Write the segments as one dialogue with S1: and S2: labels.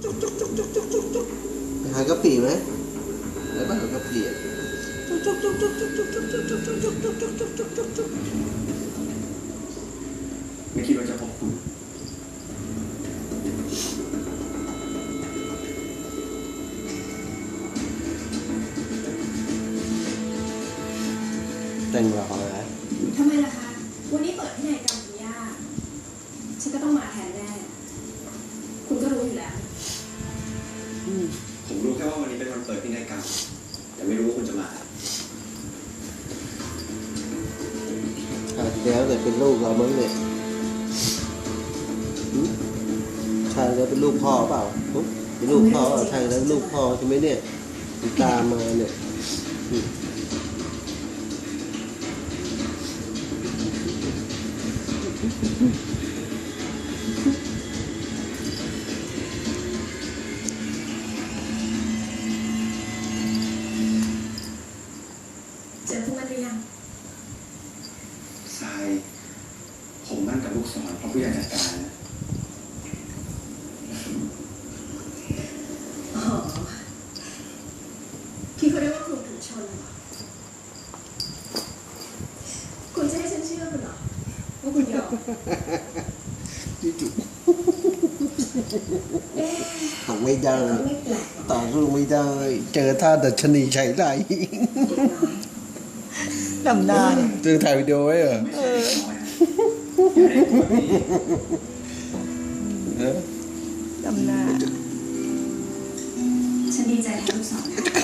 S1: หากะปิไหมแล้วก็หากะปิ
S2: ไม่คิดว่าจะพบคุณ
S1: แต่งหล่อนะ
S3: ทำไมล่ะคะ วันนี้เปิดที่ไหนกรรมคุณย่าฉันก็ต้องมาแทนแน่ คุณก็รู้อยู่แล้ว
S2: ผมรู้แค่ว่าวันนี้เป็นวันเปิดพินัยกรรมแต่ไม่รู้ว่าคุณจะมา
S1: แล้วแต่เป็นลูกเรามั้งเนี่ยใช่แล้วเป็นลูกพ่อเปล่าเป็นลูกพ่อใช่แล้วลูกพ่อใช่ไหมเนี่ยตามมาเนี่ย
S3: เจอพวกมันหรือยัง
S2: ทรายผมมั่นกับลูกศรเพราะผู้ใหญ่จัดการนะ
S3: อ๋อพี่เขาเรียกว่าครูถูกชนเหรอคุณจะให้ฉันเชื่อคุณเหรอว่าคุณยอม
S1: จุ๊บ
S3: เอ๊ะ
S1: ทำไม่ได้
S3: ก็ไม่แปลกหรอก
S1: ต่อสู้ไม่ได้ เจอท่าดัชนีใช้ได้
S4: ดำนาเนี่ย
S1: เจอถ่ายวิดีโอไว้เหรอ
S2: ไม่ใช่เด็กน้อยนะอย่าได้พูดแบบนี้
S4: ดำนา
S3: ฉันดีใจแทนลูกสาวนะคะ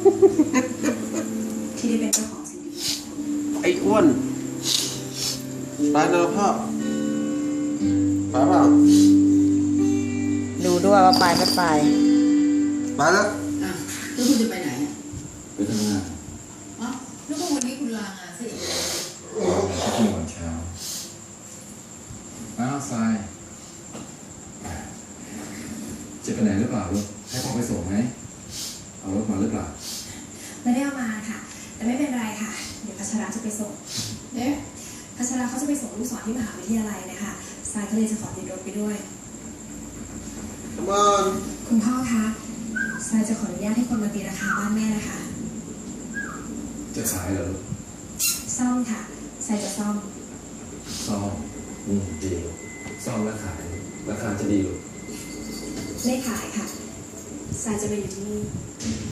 S3: ที่ได้เป็นเจ้าของสิ่งดี
S1: ไอ้อ้วนไปนะพ่อไปเปล่า
S4: ดูด้วยว่าไปไม่ไป
S1: ไปแล้ว
S5: อ่ะแล้วคุณจะไปไหนอ่ะ
S2: ไปทำงาน
S5: อ๋อแล้วก็วันนี้คุณลางานซะอีก
S2: ที่วันเช้าอ้าวทรายจะไปไหนหรือเปล่าลูกให้พ่อไปส่งไหมเอารถมาหรือเปล่า
S3: ไม่ได้เอามาค่ะ แต่ไม่เป็นไรค่ะ เดี๋ยวพัชราจะไปส่ง
S5: เอ๊ะ
S3: พัชราเขาจะไปส่งลูกศรที่มหาวิทยาลัยนะคะทรายก็เลยจะขอติดรถไปด้วย
S1: มอน
S3: คุณพ่อคะทรายจะขออนุญาตให้คนมาตีราคาบ้านแม่นะคะ
S2: จะขายเหรอลูก
S3: ซ่อมค่ะทรายจะซ่อม
S2: ซ่อมดีซ่อมแล้วขายราคาจะดีลูก
S3: ไม่ขายค่ะทรายจะไปอยู่ที่นี่